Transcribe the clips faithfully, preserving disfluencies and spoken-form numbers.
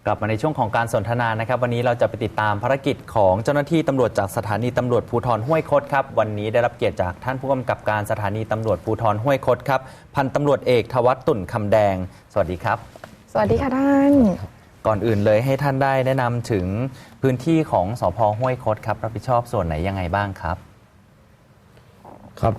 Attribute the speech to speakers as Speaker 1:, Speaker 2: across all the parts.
Speaker 1: กลับมาในช่วงของการสนทนานะครับวันนี้เราจะไปติดตามภารกิจของเจ้าหน้าที่ตำรวจจากสถานีตำรวจภูธรห้วยคดครับวันนี้ได้รับเกียรติจากท่านผู้กำกับการสถานีตำรวจภูธรห้วยคดครับพันตำรวจเอกทวัฒน์ตุ่นคำแดงสวัสดีครับ
Speaker 2: สวัสดีค่ะท่าน
Speaker 1: ก่อนอื่นเลยให้ท่านได้แนะนำถึงพื้นที่ของสภ.ห้วยคดครับรับผิดชอบส่วนไหนยังไงบ้างครับ
Speaker 3: ครับ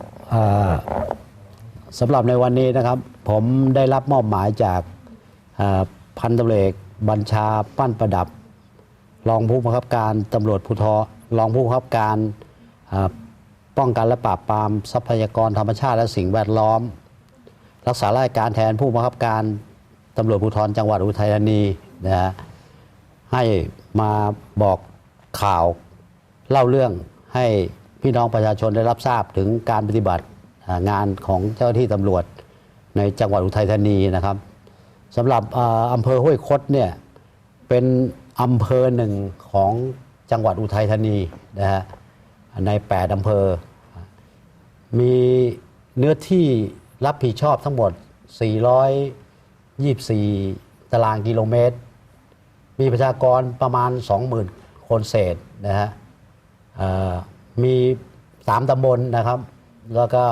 Speaker 3: สำหรับในวันนี้นะครับผมได้รับมอบหมายจากพันตำรวจเอกบัญชาปั้นประดับรองผู้บังคับการตำรวจภูธรรองผู้บังคับการป้องกันและปราบปรามทรัพยากรธรรมชาติและสิ่งแวดล้อมรักษาราชการแทนผู้บังคับการตำรวจภูธรจังหวัดอุทัยธานีนะฮะให้มาบอกข่าวเล่าเรื่องให้พี่น้องประชาชนได้รับทราบถึงการปฏิบัติงานของเจ้าหน้าที่ตำรวจในจังหวัดอุทัยธานีนะครับสำหรับอำเภอห้วยคดเนี่ยเป็นอำเภอหนึ่งของจังหวัดอุทัยธานีนะฮะในแปดอำเภอมีเนื้อที่รับผิดชอบทั้งหมดสี่ร้อยยี่สิบสี่ตารางกิโลเมตรมีประชากรประมาณ สองหมื่น คนเศษนะฮะมีสามตำบลนะครับแล้วก็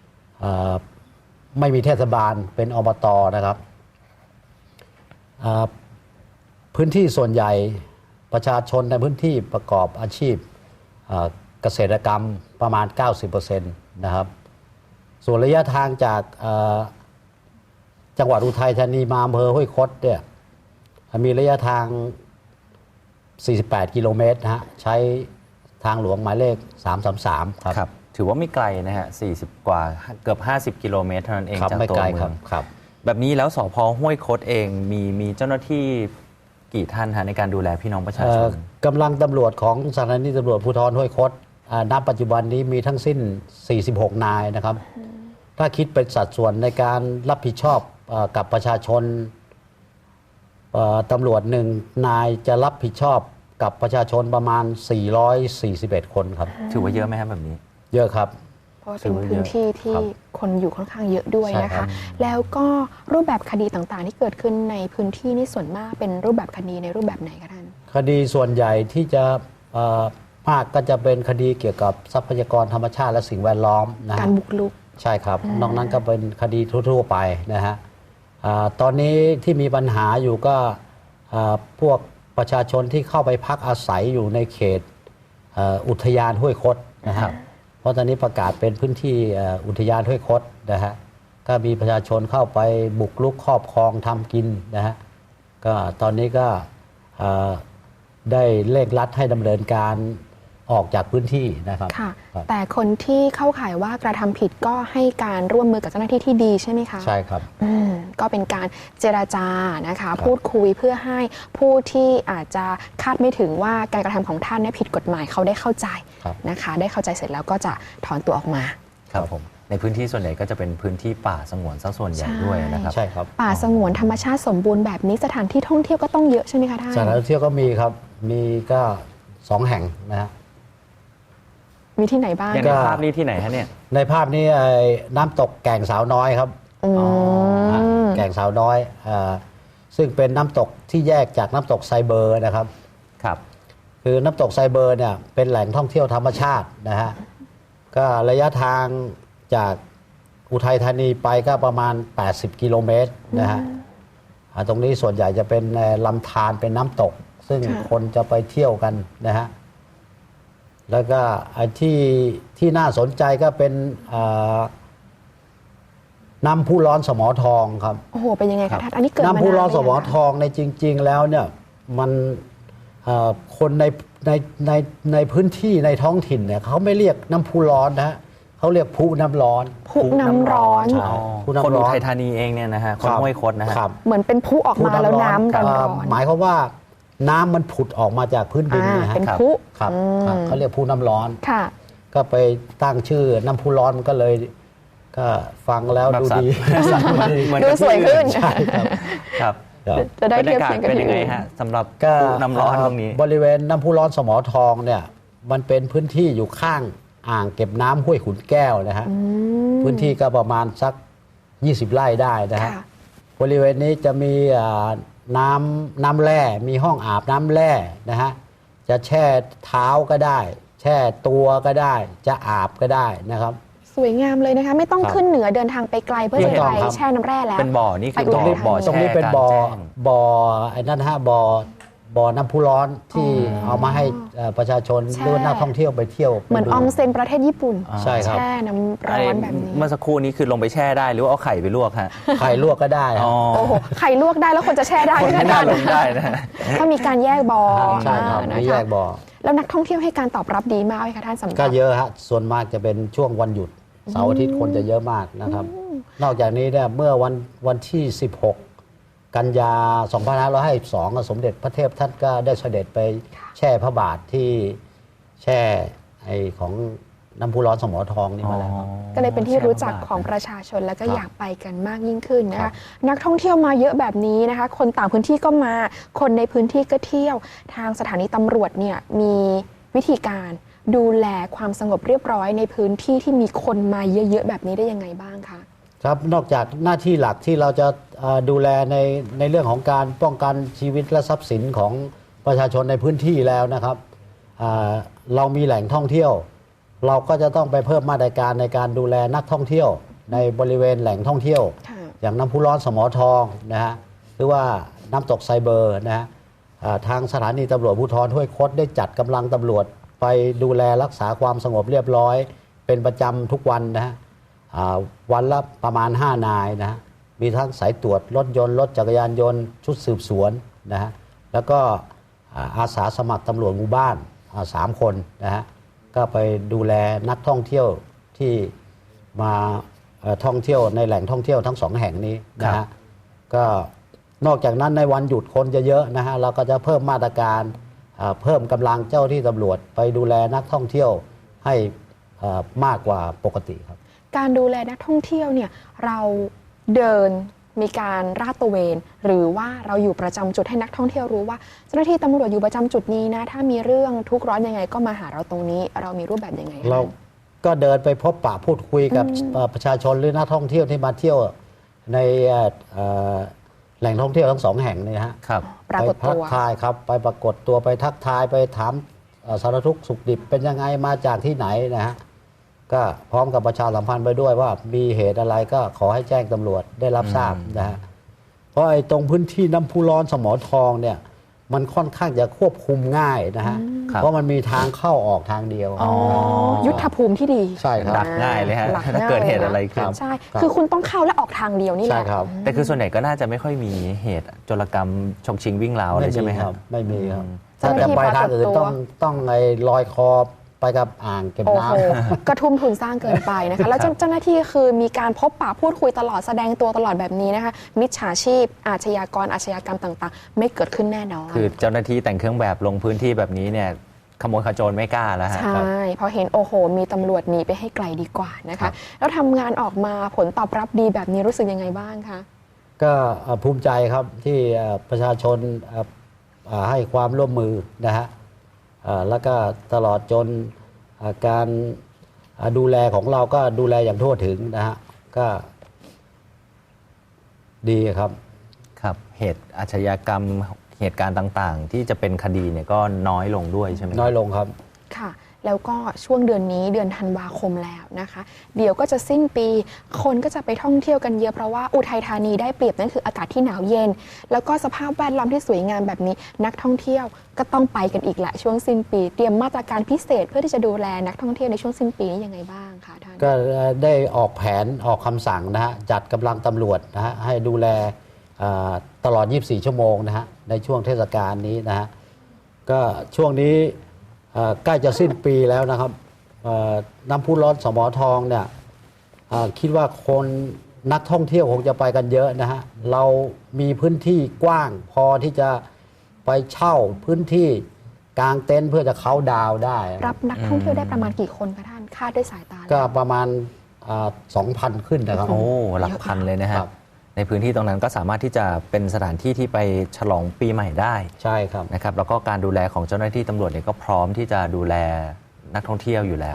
Speaker 3: ไม่มีเทศบาลเป็นอบต.นะครับพื้นที่ส่วนใหญ่ประชาชนในพื้นที่ประกอบอาชีพเกษตรกรรมประมาณ เก้าสิบเปอร์เซ็นต์ นะครับส่วนระยะทางจากจังหวัดอุทัยธานีมาอำเภอห้วยคดเนี่ยมีระยะทางสี่สิบแปดกิโลเมตรนะฮะใช้ทางหลวงหมายเลขสามสามสามครับ
Speaker 1: ครับถือว่าไม่ไกลนะฮะสี่สิบกว่าเกือบห้าสิบกิโลเมตรเท่านั้นเองจากตัวเมือง
Speaker 3: ครับ
Speaker 1: แบบนี้แล้วสภ.ห้วยคดเองมีมีเจ้าหน้าที่กี่ท่านฮะในการดูแลพี่น้องประชาชน
Speaker 3: กำลังตำรวจของสถานีตำรวจภูธรห้วยคดณปัจจุบันนี้มีทั้งสิ้นสี่สิบหกนายนะครับถ้าคิดเป็นสัดส่วนในการรับผิดชอบกับประชาชนตำรวจหนึ่งนายจะรับผิดชอบกับประชาชนประมาณสี่ร้อยสี่สิบเอ็ดคนครับ
Speaker 1: ถือว่าเยอะไหมครับแบบนี้
Speaker 3: เยอะครับ
Speaker 2: เพราะเป็นพื้นที่ที่คนอยู่ค่อนข้างเยอะด้วยนะคะแล้วก็รูปแบบคดีต่างๆที่เกิดขึ้นในพื้นที่นี่ส่วนมากเป็นรูปแบบคดีในรูปแบบไหนคะท่าน
Speaker 3: คดีส่วนใหญ่ที่จะมากก็จะเป็นคดีเกี่ยวกับทรัพยากรธรรมชาติและสิ่งแวดล้อมนะ
Speaker 2: การบุกรุก
Speaker 3: ใช่ครับนอกนั้นก็เป็นคดีทั่วๆไปนะฮะตอนนี้ที่มีปัญหาอยู่ก็พวกประชาชนที่เข้าไปพักอาศัยอยู่ในเขตอุทยานห้วยคดนะฮะเพราะตอนนี้ประกาศเป็นพื้นที่อุทยานห้วยคดนะฮะก็มีประชาชนเข้าไปบุกรุกครอบครองทำกินนะฮะก็ตอนนี้ก็ได้เร่งรัดให้ดำเนินการออกจากพื้นที่นะครับ
Speaker 2: ค่ะแต่คนที่เข้าข่ายว่ากระทำผิดก็ให้การร่วมมือกับเจ้าหน้าที่ที่ดีใช่ไหมคะ
Speaker 3: ใช่ครับ
Speaker 2: อืมก็เป็นการเจรจานะคะพูดคุยเพื่อให้ผู้ที่อาจจะคาดไม่ถึงว่าการกระทำของท่านเนี่ยผิดกฎหมายเขาได้เข้าใจนะคะได้เข้าใจเสร็จแล้วก็จะถอนตัวออกมา
Speaker 1: ครับผมในพื้นที่ส่วนใหญ่ก็จะเป็นพื้นที่ป่าสงวนซะส่วนใหญ่ด้วยนะครับ
Speaker 3: ใช่ครับ
Speaker 2: ป่าสงวนธรรมชาติสมบูรณ์แบบนี้สถานที่ท่องเที่ยวก็ต้องเยอะใช่ไหมคะท่าน
Speaker 3: สถานที่เที่ยวก็มีครับมีก็สองแห่งนะฮะ
Speaker 2: มีที่ไหนบ้าง
Speaker 1: ในภาพนี้ที่ไหนฮะเนี่ย
Speaker 3: ในภาพนี้น้ำตกแก่งสาวน้อยครับแก่งสาวน้อยซึ่งเป็นน้ำตกที่แยกจากน้ำตกไซเบอร์นะครับ
Speaker 1: ครับ
Speaker 3: คือน้ำตกไซเบอร์เนี่ยเป็นแหล่งท่องเที่ยวธรรมชาตินะฮะก็ระยะทางจากอุทัยธานีไปก็ประมาณแปดสิบกิโลเมตรนะฮะตรงนี้ส่วนใหญ่จะเป็นลำธารเป็นน้ำตกซึ่งคนจะไปเที่ยวกันนะฮะแล้วก็ที่ที่น่าสนใจก็เป็นน้ำพุร้อนสมอทองครับ
Speaker 2: โอ้โหเป็นยังไงคะท่านอันนี้เกิดมา
Speaker 3: น้ำพุร้อนสมอทองในจริงๆแล้วเนี่ยมันคนในในในในพื้นที่ในท้องถิ่นเนี่ยเขาไม่เรียกน้ำพุร้อนนะฮะเขาเรียกพุน้ำร้อน
Speaker 2: พุน้ำร้อน
Speaker 1: คนอุทัยธานีเองเนี่ยนะฮะคนห้วยคดนะฮะ
Speaker 2: เหมือนเป็นพุออกมาแล้วน้ำร้อน
Speaker 3: หมายความว่าน้ำมันผุดออกมาจากพื้นดินนะฮะ
Speaker 2: เป็นพุ
Speaker 3: ครับเขาเรียกพุน้ำร้อน
Speaker 2: ค่ะ
Speaker 3: ก็ไปตั้งชื่อน้ำพุร้อนมันก็เลยก็ฟังแล้วดูดี
Speaker 2: ดูสวยขึ้น
Speaker 1: ใช่ครับ
Speaker 2: จะได้เทียบเคียงกัน
Speaker 1: เป็นยังไงฮะสำหรับน้ำร้อนตรงนี้
Speaker 3: บริเวณน้ำพุร้อนสมอทองเนี่ยมันเป็นพื้นที่อยู่ข้างอ่างเก็บน้ำห้วยขุนแก้วนะฮะพื้นที่ก็ประมาณสักยี่สิบไร่ได้นะฮะบริเวณนี้จะมีน้ำน้ำแร่มีห้องอาบน้ำแร่นะฮะจะแช่เท้าก็ได้ แช่ตัวก็ได้ จะอาบก็ได้นะครับ
Speaker 2: สวยงามเลยนะคะ ไม่ต้อง
Speaker 3: ครับ
Speaker 2: ขึ้นเหนือเดินทางไปไกลเพื่อ
Speaker 3: ไม่
Speaker 2: จะ
Speaker 3: ต้อง
Speaker 2: ไป
Speaker 3: ครับ
Speaker 2: แช่น้ำแร่แล้ว
Speaker 1: เป็นบ่อนี่คือ
Speaker 2: ไป
Speaker 1: บ่อ
Speaker 2: อุทัยธานี
Speaker 1: บ่อ
Speaker 3: ตรง
Speaker 1: แช่
Speaker 3: นี้เป็น
Speaker 1: กลาง
Speaker 3: บ่อ
Speaker 1: แจ้ง
Speaker 3: บ่อไอ้นั่นฮะบ่อบ่อน้ำพุร้อนที่
Speaker 2: อ๋อ
Speaker 3: เอามาให้เอ่อประชาชน
Speaker 2: แช่
Speaker 3: หรือว่านักท่องเที่ยวไปเที่ยว
Speaker 2: เหมือน
Speaker 3: ไป
Speaker 2: อ
Speaker 3: ดู
Speaker 2: องเซ็นประเทศญี่ปุ่น
Speaker 3: ใช่ครับ
Speaker 2: แช่น้ำร้อนแบบนี้
Speaker 1: เมื่อสักครู่นี้คือลงไปแช่ได้หรือว่าเอาไข่ไปลวกฮะ
Speaker 3: ไข่ลวกก็ได้ฮะ
Speaker 1: อ๋อ
Speaker 2: โอ้โหไข่ลวกได้แล้วคนจะแช่ได้
Speaker 1: คน
Speaker 2: ไหม
Speaker 1: ไม่น่า
Speaker 2: คะ
Speaker 1: ลงได้นะฮะ
Speaker 2: ถ้ามีการแยกบ่อ
Speaker 3: ใช่ครับ
Speaker 2: อ่า
Speaker 3: มี
Speaker 2: นะ
Speaker 3: แย
Speaker 2: คะ
Speaker 3: กบ่อ
Speaker 2: แล้วนักท่องเที่ยวให้การตอบรับดีมากไหมคะท่านสำหรับ
Speaker 3: ก็เยอะฮะส่วนมากจะเป็นช่วงวันหยุดเสาร์อาทิตย์คนจะเยอะมากนะครับ นอกจากนี้เนี่ยเมื่อวันวันที่ สิบหก กันยา สองพันห้าร้อยห้าสิบสอง สมเด็จพระเทพท่านก็ได้เสด็จไปแช่พระบาทที่แช่ไอของน้ำพุร้อนสมอทองนี่มาแล้วครับ
Speaker 2: ก็เลยเป็นที่รู้จักของประชาชนแล้วก็อยากไปกันมากยิ่งขึ้นนะคะ นักท่องเที่ยวมาเยอะแบบนี้นะคะ คนต่างพื้นที่ก็มา คนในพื้นที่ก็เที่ยว ทางสถานีตำรวจเนี่ยมีวิธีการดูแลความสงบเรียบร้อยในพื้นที่ที่มีคนมาเยอะๆแบบนี้ได้ยังไงบ้างคะ
Speaker 3: ครับนอกจากหน้าที่หลักที่เราจะเอ่อดูแลในในเรื่องของการป้องกันชีวิตและทรัพย์สินของประชาชนในพื้นที่แล้วนะครับอ่าเรามีแหล่งท่องเที่ยว เราก็จะต้องไปเพิ่มมาตรการในการดูแลนักท่องเที่ยว ในบริเวณแหล่งท่องเที่ยว
Speaker 2: ค่ะ
Speaker 3: อย่างน้ำพุร้อนสมอทองนะฮะหรือว่าน้ำตกไซเบอร์นะฮะอ่าทางสถานีตำรวจภูธรห้วยคดได้จัดกำลังตำรวจไปดูแลรักษาความสงบเรียบร้อย เป็นประจำทุกวันนะฮะ อ่าวันละประมาณ ห้านายนะฮะมีทั้งสายตรวจรถยนต์รถจักรยานยนต์ชุดสืบสวนนะฮะแล้วก็อ่าอาสาสมัครตำรวจหมู่บ้านอ่าสามคนนะฮะก็ไปดูแลนักท่องเที่ยวที่มาเอ่อท่องเที่ยวในแหล่งท่องเที่ยวทั้งสองแห่งนี้นะ
Speaker 1: ครั
Speaker 3: ฮะ
Speaker 1: บ
Speaker 3: ก็นอกจากนั้นในวันหยุดคนจะเยอะนะฮะเราก็จะเพิ่มมาตรการอ่าเพิ่มกำลังเจ้าที่ตำรวจไปดูแลนักท่องเที่ยวให้อ่ามากกว่าปกติครับ
Speaker 2: การดูแลนักท่องเที่ยวเนี่ยเราเดินมีการราดตระเวน หรือว่าเราอยู่ประจำจุดให้นักท่องเที่ยวรู้ว่าเจ้าหน้าที่ตำรวจอยู่ประจำจุดนี้นะถ้ามีเรื่องทุกข์ร้อนยังไงก็มาหาเราตรงนี้ เรามีรูปแบบยังไงคะ
Speaker 3: เราก็เดินไปพบปะพูดคุยกับเอ่อประชาชนหรือนักท่องเที่ยวที่มาเที่ยวในเอ่อเอ่อแหล่งท่องเที่ยวทั้งสองแห่งนี่ฮะ
Speaker 1: ครับ
Speaker 2: ปรากฏ
Speaker 3: ไปทั
Speaker 2: ตัว
Speaker 3: ทายครับไปปรากฏตัวไปทักทายไปถามเอ่อสารทุกข์สุขดิบเป็นยังไงมาจากที่ไหนนะฮะก็พร้อมกับประชาสัมพันธ์ไปด้วยว่ามีเหตุอะไรก็ขอให้แจ้งตำรวจได้รับทราบนะฮะเพราะไอ้ตรงพื้นที่น้ำพุร้อนสมอทองเนี่ยมันค่อนข้างจะควบคุมง่ายนะฮะ
Speaker 1: ครับ
Speaker 3: เพราะมันมีทางเข้าออกทางเดียว
Speaker 2: อ๋อยุทธภูมิที่ดี
Speaker 3: ใช่ครับ
Speaker 1: ดักง่ายเลยฮะ
Speaker 2: หลัก
Speaker 1: ถ้าเกิดเหตุ
Speaker 2: ง่าย
Speaker 1: อะไรขึ้น
Speaker 2: ใช่
Speaker 3: ครับ
Speaker 2: คือคุณต้องเข้าและออกทางเดียวนี่แห
Speaker 3: ใช่
Speaker 2: ละ
Speaker 3: ครับ
Speaker 1: แต่คือส่วนใหญ่ก็น่าจะไม่ค่อยมีเหตุโจรกรรมฉกชิงวิ่งราวอะไรใช่ไหมครับ
Speaker 3: ไม่มีครับ
Speaker 1: อืม
Speaker 3: ถ้าจะไปทางอื่นต้องต้องไอ้ลอยคอไปกับอ่างเก็บ
Speaker 2: โอ้
Speaker 3: น้
Speaker 2: โหกระทุ่มทุนสร้างเกินไปนะคะ แล้วเจ้าเจ้าหน้าที่คือมีการพบปะพูดคุยตลอดแสดงตัวตลอดแบบนี้นะคะ มิจฉาชีพ อาชญากรอาชญากรรมต่างๆ ไม่เกิดขึ้นแน่นอน
Speaker 1: คือเจ้าหน้าที่แต่งเครื่องแบบลงพื้นที่แบบนี้เนี่ยขโมยขโจรไม่กล้าแล้วฮะ
Speaker 2: ใช่เพราะเห็นโอ้โห มีตำรวจหนีไปให้ไกลดีกว่านะ
Speaker 1: ครั
Speaker 2: คะ
Speaker 1: บ
Speaker 2: แล้วทำงานออกมาผลตอบรับดีแบบนี้รู้สึกยังไงบ้างคะ
Speaker 3: ำก็เอ่อภูมิใจครับที่เอ่อประชาชนเอ่อเอ่อให้ความร่วมมือนะฮะเอ่อแล้วก็ตลอดจนเอ่อการเอ่อดูแลของเราก็ดูแลอย่างทั่วถึงนะฮะก็ดีครับ
Speaker 1: ครับเหตุอาชญากรรมเหตุการณ์ต่างๆ ที่จะเป็นคดีเนี่ยก็น้อยลงด้วยใช่ไหมครับ
Speaker 3: น้อยลงครับ
Speaker 2: ค่ะ แล้วก็ช่วงเดือนนี้เดือนธันวาคมแล้วนะคะ เดี๋ยวก็จะสิ้นปี คนก็จะไปท่องเที่ยวกันเยอะเพราะว่าอุทัยธานีได้เปรียบนั่นคืออากาศที่หนาวเย็น แล้วก็สภาพแวดล้อมที่สวยงามแบบนี้ นักท่องเที่ยวก็ต้องไปกันอีกแหละช่วงสิ้นปี เตรียมมาตรการพิเศษเพื่อที่จะดูแลนักท่องเที่ยวในช่วงสิ้นปีนี้ยังไงบ้างคะท่าน
Speaker 3: ก็ได้ออกแผนออกคำสั่งนะฮะจัดกำลังตำรวจนะฮะให้ดูแลอ่าตลอด ยี่สิบสี่ ชั่วโมงนะฮะในช่วงเทศกาลนี้นะฮะก็ช่วงนี้อ่าใกล้จะสิ้นปีแล้วนะครับอ่าน้ำพุร้อนสมอทองเนี่ยอ่าคิดว่าคนนักท่องเที่ยวคงจะไปกันเยอะนะฮะเรามีพื้นที่กว้างพอที่จะไปเช่าพื้นที่กางเต็นท์เพื่อจะเขาน์ดาวน์ได้
Speaker 2: รับนักท่องเที่ยวได้ประมาณกี่คนคะท่านคาดด้วยสายตาแล้ว
Speaker 3: ก็ประมาณสองพันขึ้นนะครับ
Speaker 1: โอ้หลักพันเลยนะฮะ
Speaker 3: ครับ
Speaker 1: ในพื้นที่ตรงนั้นก็สามารถที่จะเป็นสถานที่ที่ไปฉลองปีใหม่ได้
Speaker 3: ใช่ครับ
Speaker 1: นะครับแล้วก็การดูแลของเจ้าหน้าที่ตำรวจเนี่ยก็พร้อมที่จะดูแลนักท่องเที่ยวอยู่แล้ว
Speaker 3: ครับ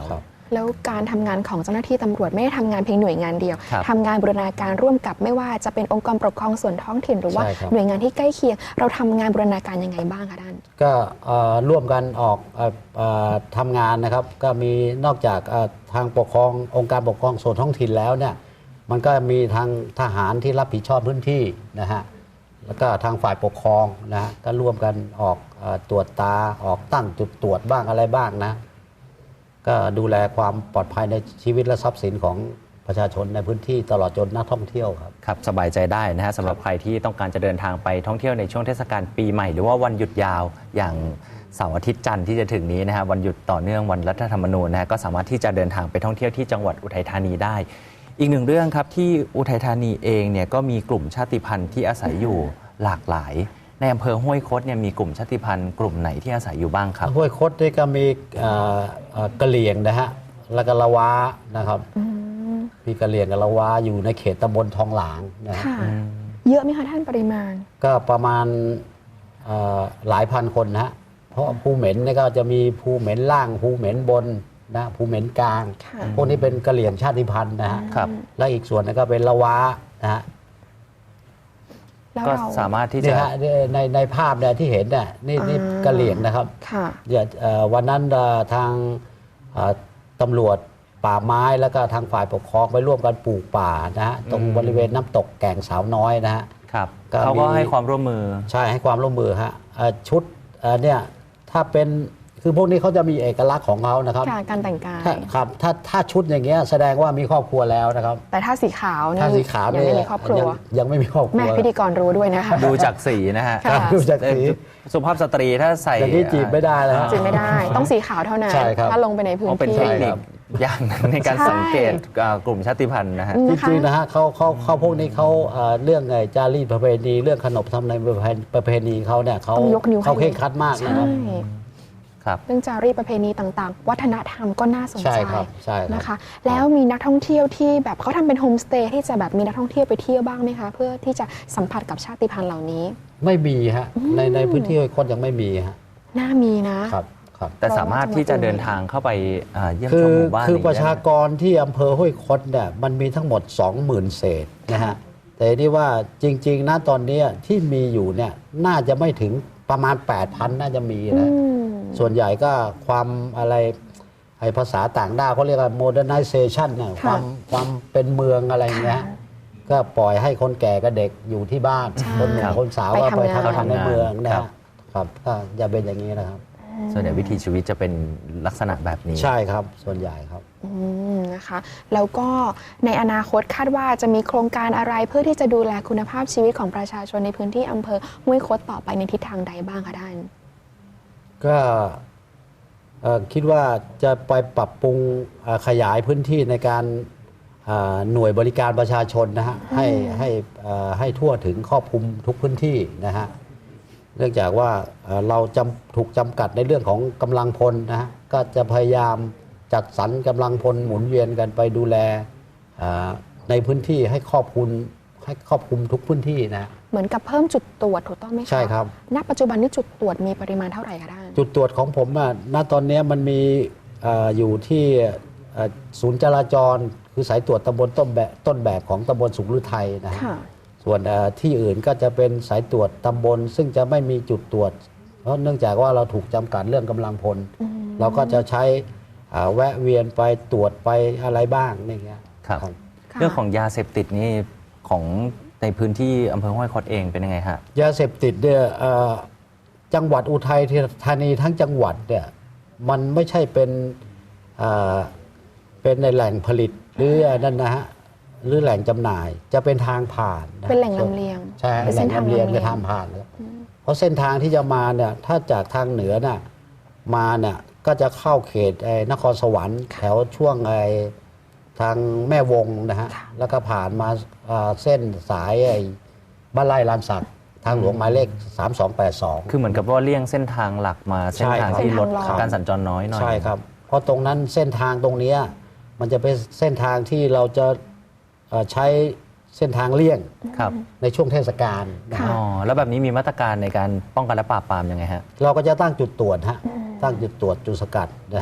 Speaker 2: แล้วการทำงานของเจ้าหน้าที่ตำรวจไม่ได้ทำงานเพียงหน่วยงานเดียว
Speaker 1: ครับ
Speaker 2: ทำงานบูรณาการร่วมกับไม่ว่าจะเป็นองค์กรปกครองส่วนท้องถิ่นหรือว่า
Speaker 3: ใช่ครับ
Speaker 2: หน่วยงานที่ใกล้เคียง เราทำงานบูรณาการยังไงบ้างคะท่าน
Speaker 3: ก็เอ่อร่วมกันออกเอ่อเอ่อทำงานนะครับ ก็มีนอกจากเอ่อทางปกครององค์การปกครองส่วนท้องถิ่นแล้วเนี่ยมันก็มีทางทหารที่รับผิดชอบพื้นที่นะฮะแล้วก็ทางฝ่ายปกครองนะฮะก็ร่วมกันออกเอ่อตรวจตาออกตั้งจุดตรวจบ้างอะไรบ้างนะ ก็ดูแลความปลอดภัยในชีวิตและทรัพย์สินของประชาชนในพื้นที่ตลอดจนนักท่องเที่ยวครับ
Speaker 1: ครับสบายใจได้นะฮะสำหรับใครที่ต้องการจะเดินทางไปท่องเที่ยวในช่วงเทศกาลปีใหม่หรือว่าวันหยุดยาวอย่างเสาร์อาทิตย์จันทร์ที่จะถึงนี้นะฮะวันหยุดต่อเนื่องวันรัฐธรรมนูญนะฮะก็สามารถที่จะเดินทางไปท่องเที่ยวที่จังหวัดอุทัยธานีได้ อีกหนึ่งเรื่องครับที่อุทัยธานีเองเนี่ยก็มีกลุ่มชาติพันธุ์ที่อาศัยอยู่หลากหลายในอำเภอห้วยคดเนี่ยมีกลุ่มชาติพันธุ์กลุ่มไหนที่อาศัยอยู่บ้างครับ
Speaker 3: ห้วยคดนี่ก็มีเอ่อเอ่อกะเหรี่ยงนะฮะแล้วก็ละวานะครับมีกะเหรี่ยงกับละวาอยู่ในเขตตำบลทองหลางนะฮะ
Speaker 2: ค่ะ เยอะไหมคะท่านปริมาณ
Speaker 3: ก็ประมาณเอ่อหลายพันคนนะฮะเพราะภูเหม็นนี่ก็จะมีภูเหม็นล่างภูเหม็นบนนะภูเหม็นกลาง
Speaker 2: ค่ะ
Speaker 3: พวกนี้เป็นกะเหรี่ยงชาติพันธุ์นะฮะ
Speaker 1: ครับ
Speaker 3: และอีกส่วนนึงก็เป็นละวานะฮะ
Speaker 2: แล้ว
Speaker 1: ก็
Speaker 2: เรา
Speaker 1: สามารถที่
Speaker 3: นี่
Speaker 1: จะ
Speaker 3: ฮะในในภาพเนี่ยที่เห็นเนี่ยนี่นี่
Speaker 2: อ่า
Speaker 3: กะเหรี่ยงนะครับ
Speaker 2: ค่ะ
Speaker 3: เดี๋ยวเอ่อวันนั้นเอ่อทางเอ่อตำรวจป่าไม้แล้วก็ทางฝ่ายปกครองไปร่วมกันปลูกป่านะฮะตรง
Speaker 1: อืม
Speaker 3: บริเวณน้ำตกแก่งสาวน้อยนะฮะ
Speaker 1: ครับ
Speaker 3: ก็
Speaker 1: เขาก็
Speaker 3: มี
Speaker 1: ให้ความร่วมมือ
Speaker 3: ใช่ให้ความร่วมมือฮะเอ่อชุดเอ่อเนี่ยถ้าเป็นคือพวกนี้เขาจะมีเอกลักษณ์ของเขานะครับ
Speaker 2: ค่ะ การแต่งกาย
Speaker 3: ถ้าครับถ้าถ้าชุดอย่างเงี้ยแสดงว่ามีครอบครัวแล้วนะครับ
Speaker 2: แต่ถ้าสีขาวนี่
Speaker 3: ถ้าสีขาว
Speaker 2: ยัง
Speaker 3: เนี่ย
Speaker 2: ไม่มีครอบครัว
Speaker 3: ยังยังไม่มีครอบครั
Speaker 2: แม่
Speaker 3: ว
Speaker 2: พิธีกรรู้ด้วยนะคะ
Speaker 1: ดูจากสีนะฮะ
Speaker 2: ค่ะ
Speaker 3: ดูจากสี
Speaker 1: เอ่อสุภาพสตรีถ้าใส่
Speaker 3: อย่างนี้จีบไม่ได้แล้วฮะ
Speaker 2: จริงไม่ได้ ต้องสีขาวเท่านั้น
Speaker 3: ใช่ครับ
Speaker 2: ถ้าลงไปในพื้น
Speaker 1: เพราะเป็น
Speaker 2: ที่
Speaker 1: เทคนิคอย่างหนึ่งในการ
Speaker 2: ใช่
Speaker 1: สังเกตเอ่อกลุ่มชาติพันธุ์นะฮะ
Speaker 2: อืม
Speaker 3: จริงๆนะฮะเขาเขาเขาพวกนี้เขาเอ่อเรื่องไอ้จารีตประเพณีเรื่องขนบธรรมเนียมประเพณีประเพณีเขาเนี่ยเขา
Speaker 2: ต้องยกนิ้วให้
Speaker 3: เขาเคร่งครัดมากนะ
Speaker 2: ใช่
Speaker 3: ครับ
Speaker 1: ครับ
Speaker 2: เรื่องจารีตประเพณีต่างๆ วัฒนธรรมก็น่าสน
Speaker 3: ใช่
Speaker 2: ใจ
Speaker 3: ครับใช่ครับ
Speaker 2: นะคะ แล้วมีนักท่องเที่ยวที่แบบเขาทำเป็นโฮมสเตย์ที่จะแบบมีนักท่องเที่ยวไปเที่ยวบ้างไหมคะ เพื่อที่จะสัมผัสกับชาติพันธุ์เหล่านี้
Speaker 3: ไม่มีฮะในในพื้นที่คนยังไม่มีฮะ
Speaker 2: น่ามีนะ
Speaker 3: ครับครับ
Speaker 1: แต่สามารถที่จะเดินทางเข้าไปเอ่อเยี่ยม
Speaker 3: คื
Speaker 1: ชม
Speaker 3: อ
Speaker 1: หมู่บ้าน
Speaker 3: คือ
Speaker 1: นี้
Speaker 3: ประ
Speaker 1: ได้
Speaker 3: ชา
Speaker 1: ไหม
Speaker 3: กรที่อำเภอห้วยคดเนี่ยมันมีทั้งหมด สองหมื่น เศษนะฮะแต่ที่ว่าจริงๆนะตอนนี้ที่มีอยู่เนี่ยน่าจะไม่ถึงประมาณ แปดพัน น่าจะมี
Speaker 2: อื
Speaker 3: นะ
Speaker 2: ม
Speaker 3: ส่วนใหญ่ก็ความอะไรไอ้ภาษาต่างด้าวเขาเรียกว่า modernization เนี่ยความความเป็นเมืองอะไรอย่างเงี้ยก็ปล่อยให้คนแก่กับเด็กอยู่ที่บ้าน
Speaker 2: ใช่
Speaker 3: คนหนุ่มคนสาว
Speaker 2: ไป
Speaker 3: ก็ไป
Speaker 2: ทำงาน
Speaker 3: ทำงานในเมืองนะ
Speaker 1: ครั
Speaker 3: ฮะ
Speaker 1: บ
Speaker 3: ครับก็อย่าเป็นอย่างนี้นะครับ
Speaker 1: ส่วนใหญ่วิถีชีวิตจะเป็นลักษณะแบบนี้
Speaker 3: ใช่ครับส่วนใหญ่ครับ
Speaker 2: อืมนะคะ แล้วก็ในอนาคตคาดว่าจะมีโครงการอะไรเพื่อที่จะดูแลคุณภาพชีวิตของประชาชนในพื้นที่อำเภอห้วยคดต่อไปในทิศทางใดบ้างคะท่าน
Speaker 3: ก็เอ่อคิดว่าจะไปปรับปรุงเอ่อขยายพื้นที่ในการเอ่อหน่วยบริการประชาชนนะฮะให้ให้เอ่อให้ทั่วถึงครอบคลุมทุกพื้นที่นะฮะเนื่องจากว่าเอ่อเราจำถูกจำกัดในเรื่องของกำลังพลนะฮะก็จะพยายามจัดสรรกำลังพลหมุนเวียนกันไปดูแลเอ่อในพื้นที่ให้ครอบคลุมให้ครอบคลุมทุกพื้นที่นะ
Speaker 2: เหมือนกับเพิ่มจุดตรวจถูกต้องไหมคะ
Speaker 3: ใช่ครับ
Speaker 2: ณ ปัจจุบันนี้จุดตรวจมีปริมาณเท่าไหร่คะท่าน
Speaker 3: จุดตรวจของผมอะณตอนนี้มันมีเอออยู่ที่เอ่อศูนย์จราจร คือสายตรวจตำบลต้นแบบต้นแบบของตำบลสุขฤทัยนะฮะ
Speaker 2: ค่ะ
Speaker 3: ส่วนเอ่อที่อื่นก็จะเป็นสายตรวจตำบล ซึ่งจะไม่มีจุดตรวจ เพราะเนื่องจากว่าเราถูกจำกัดเรื่องกำลังพล เราก็จะใช้อ่าแวะเวียนไปตรวจไปอะไรบ้างนี่เงี้ย
Speaker 1: ครับ
Speaker 3: ครับ
Speaker 2: ค่ะ
Speaker 1: เรื่องของยาเสพติดนี่ของในพื้นที่อำเภอห้วยคดเองเป็นยังไงฮะ
Speaker 3: ยาเสพติดเนี่ยเอ่อจังหวัดอุทัยธานีทั้งจังหวัดเนี่ยมันไม่ใช่เป็นเอ่อเป็นในแหล่งผลิตหรืออันนั่นนะฮะหรือแหล่งจำหน่ายจะเป็นทางผ่านนะ
Speaker 2: เป็นแหล่งลำเลียง
Speaker 3: ใช่
Speaker 2: เป็น
Speaker 3: แห
Speaker 2: เส้
Speaker 3: ล่
Speaker 2: น
Speaker 3: ง
Speaker 2: ทาง
Speaker 3: ลำเลียง
Speaker 2: ลำเลี
Speaker 3: จะ
Speaker 2: ยง
Speaker 3: ทางผ่านเลยเพราะเส้นทางที่จะมาเนี่ยถ้าจากทางเหนือน่ะมาเนี่ยก็จะเข้าเขตไอ้นครสวรรค์แถวช่วงไอ้ทางแม่วงนะฮะแล้วก็ผ่านมาอ่าเส้นสายไอ้บ้านไร่ลานสักทางหลวงหมายเลขสามสองแปดสอง
Speaker 1: คือเหมือนกับว่าเลี่ยงเส้นทางหลักมาเส้นทาง
Speaker 3: ใช่ครับ
Speaker 1: ที่รถ
Speaker 2: เส้นทางรอง
Speaker 1: การสัญจรน้อยหน่อย
Speaker 3: ใช่ครับ เพราะตรงนั้นเส้นทางตรงเนี้ยมันจะเป็นเส้นทางที่เราจะเอ่อใช้เส้นทางเลี่ยง
Speaker 1: ครับ
Speaker 3: ในช่วงเทศกาลนะ
Speaker 2: ค่ะ
Speaker 3: ฮะ
Speaker 1: อ๋อแล้วแบบนี้มีมาตรการในการป้องกันและปราบปรามยังไงฮะ
Speaker 3: เราก็จะตั้งจุดตรวจฮะตั้งจุดตรวจจุดสกัดนะฮะข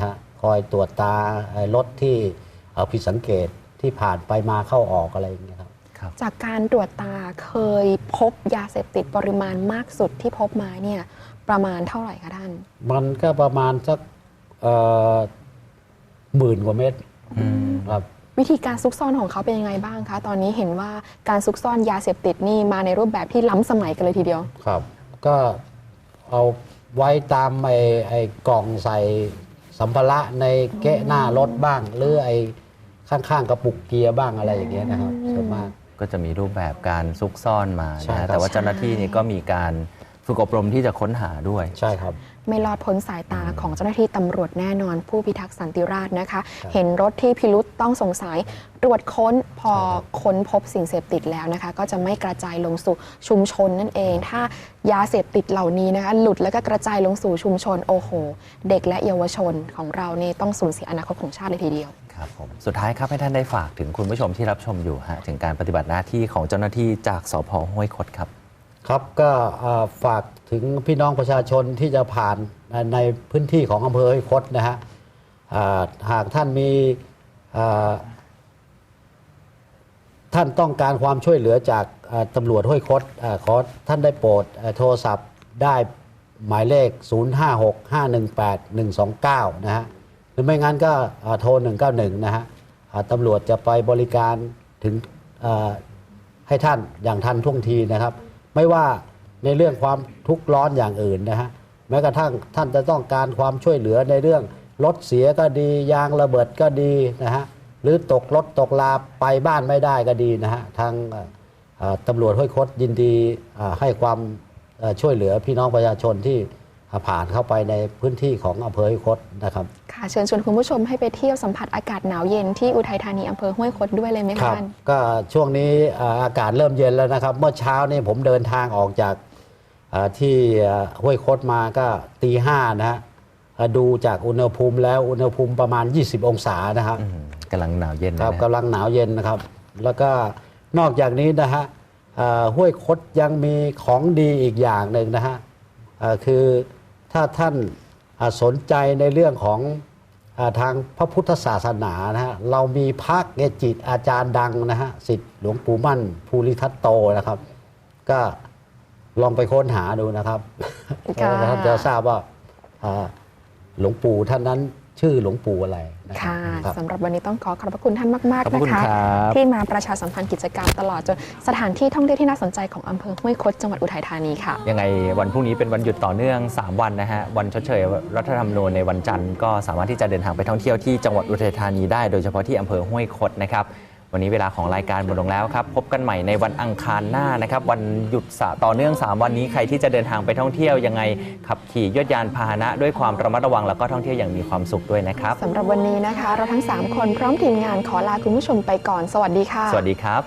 Speaker 3: อยตรวจตาไอ้รถที่เอ่อผิดสังเกตที่ผ่านไปมาเข้าออกอะไรอย่างเงี้ยครับ
Speaker 1: ครับ
Speaker 2: จากการตรวจตาเคยพบยาเสพติดปริมาณมากสุดที่พบมาเนี่ยประมาณเท่าไหร่คะท่าน
Speaker 3: มันก็ประมาณสักเอ่อหมื่นกว่าเม็ด
Speaker 1: อืม
Speaker 3: ครับ
Speaker 2: วิธีการซุกซ่อนของเขาเป็นยังไงบ้างคะ ตอนนี้เห็นว่าการซุกซ่อนยาเสพติดนี่มาในรูปแบบที่ล้ำสมัยกันเลยทีเดียว
Speaker 3: ครับ ก็เอาไว้ตามไอ้ไอ้กล่องใส่สัมภาระในเกะหน้ารถบ้าง หรือไอ้ข้างๆกระปุกเกียร์บ้างอะไรอย่างเงี้ยนะครับส่วนมาก
Speaker 1: ก็จะมีรูปแบบการซุกซ่อนมา
Speaker 3: ใช่
Speaker 1: นะ
Speaker 3: ครั
Speaker 1: ฮะ
Speaker 3: บ
Speaker 1: แต่ว่าเจ้าหน้าที่นี่ก็มีการฝึกอบรมที่จะค้นหาด้วย
Speaker 3: ใช่ครับ
Speaker 2: ไม่รอดพ้นสายตาของเจ้าหน้าที่ตำรวจแน่นอนผู้พิทักษ์สันติราษฎร์นะคะ
Speaker 3: ครับ
Speaker 2: เห็นรถที่พิรุษต้องสงสัยตรวจค้นพอ
Speaker 3: ใช่ครับ
Speaker 2: ค้นพบสิ่งเสพติดแล้วนะคะ ก็จะไม่กระจายลงสู่ชุมชนนั่นเอง ถ้ายาเสพติดเหล่านี้นะคะหลุดแล้วก็กระจายลงสู่ชุมชนโอ้โห เด็กและเยาวชนของเรานี่ต้องสูญเสียอนาคตของชาติเลยทีเดียว
Speaker 1: ครับผมสุดท้ายครับให้ท่านได้ฝากถึงคุณผู้ชมที่รับชมอยู่ฮะถึงการปฏิบัติหน้าที่ของเจ้าหน้าที่จากสพห้วยคดครับ
Speaker 3: ครับก็เอ่อฝากถึงพี่น้องประชาชนที่จะผ่านในพื้นที่ของอำเภอห้วยคดนะฮะอ่าหากท่านมีอ่าท่านต้องการความช่วยเหลือจากอ่าตำรวจห้วยคดอ่าขอท่านได้โปรดอ่าโทรศัพท์ได้หมายเลข ศูนย์ ห้า หก ห้า หนึ่ง แปด หนึ่ง สอง เก้า นะฮะหรือไม่งั้นก็อ่าโทร หนึ่ง เก้า หนึ่ง นะฮะอ่าตำรวจจะไปบริการถึงอ่า ให้ท่านอย่างทันท่วงทีนะครับ ไม่ว่าในเรื่องความทุกข์ร้อนอย่างอื่นนะฮะแม้กระทั่งท่านจะต้องการความช่วยเหลือในเรื่องรถเสียก็ดียางระเบิดก็ดีนะฮะหรือตกรถตกลาไปบ้านไม่ได้ก็ดีนะฮะทางเอ่อเอ่อตำรวจห้วยคดยินดีเอ่อให้ความเอ่อช่วยเหลือพี่น้องประชาชนที่ผ่านเข้าไปในพื้นที่ของอำเภอห้วยคดนะครับ
Speaker 2: ค่ะเชิญชวนคุณผู้ชมให้ไปเที่ยวสัมผัสอากาศหนาวเย็นที่อุทัยธานีอำเภอห้วยคดด้วยเลยไหม
Speaker 3: ค
Speaker 2: คะ
Speaker 3: รับ
Speaker 2: ท่าน
Speaker 3: ก็ช่วงนี้เอ่ออากาศเริ่มเย็นแล้วนะครับ เมื่อเช้านี่ผมเดินทางออกจากเอ่อที่เอ่อห้วยคดมาก็ตีห้านะฮะเอ่อดูจากอุณหภูมิแล้วอุณหภูมิประมาณ ยี่สิบ องศานะครับ
Speaker 1: อืมกำลังหนาวเย็น
Speaker 3: ครับ
Speaker 1: นะ
Speaker 3: กำลังหนาวเย็นนะครับ แล้วก็นอกจากนี้นะฮะเอ่อห้วยคดยังมีของดีอีกอย่างหนึ่งนะฮะเอ่อคือถ้าท่านอ่าสนใจในเรื่องของอาทางพระพุทธศาสนานะฮะเรามีพระเกจิอาจารย์ดังนะฮะศิษย์หลวงปู่มั่นภูริทัตโตนะครับ ก็ลองไปค้นหาดูนะครับ
Speaker 2: ค่ะ
Speaker 3: แล้วท่านจะทราบว่าอ่าหลวงปู่ท่านนั้นชื่อหลวงปู่อะไรนะครั
Speaker 2: ค่ะ
Speaker 3: บครับ
Speaker 2: สำหรับวันนี้ต้องขอขอบพระคุณท่านมาก
Speaker 1: ขอบ
Speaker 2: ๆ
Speaker 1: พระ
Speaker 2: นะ
Speaker 1: คุณ
Speaker 2: คะ
Speaker 1: ครับ
Speaker 2: ที่มาประชาสัมพันธ์กิจกรรมตลอดจนสถานที่ท่องเที่ยวที่น่าสนใจของอำเภอห้วยคดจังหวัดอุทัยธานีค่ะ
Speaker 1: ยังไงวันพรุ่งนี้เป็นวันหยุดต่อเนื่อง สาม วันนะฮะวันชดเชยรัฐธรรมนูญในวันจันทร์ก็สามารถที่จะเดินทางไปท่องเที่ยวที่จังหวัดอุทัยธานีได้โดยเฉพาะที่อำเภอห้วยคดนะครับวันนี้เวลาของรายการหมดลงแล้วครับพบกันใหม่ในวันอังคารหน้านะครับวันหยุดสะต่อเนื่อง สาม วันนี้ใครที่จะเดินทางไปท่องเที่ยวยังไงขับขี่ยวดยานพาหนะด้วยความระมัดระวังแล้วก็ท่องเที่ยวอย่างมีความสุขด้วยนะครับ
Speaker 2: สำหรับวันนี้นะคะ เราทั้ง สาม คนพร้อมทีมงานขอลาคุณผู้ชมไปก่อนสวัสดีค่ะ
Speaker 1: สวัสดีครับ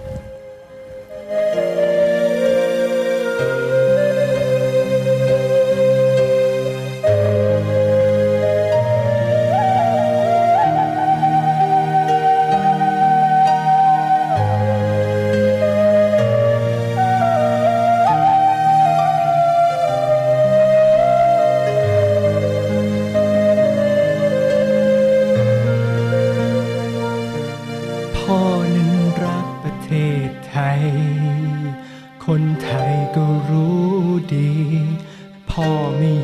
Speaker 4: พ่อนั้นรักประเทศไทย คนไทยก็รู้ดี พ่อไม่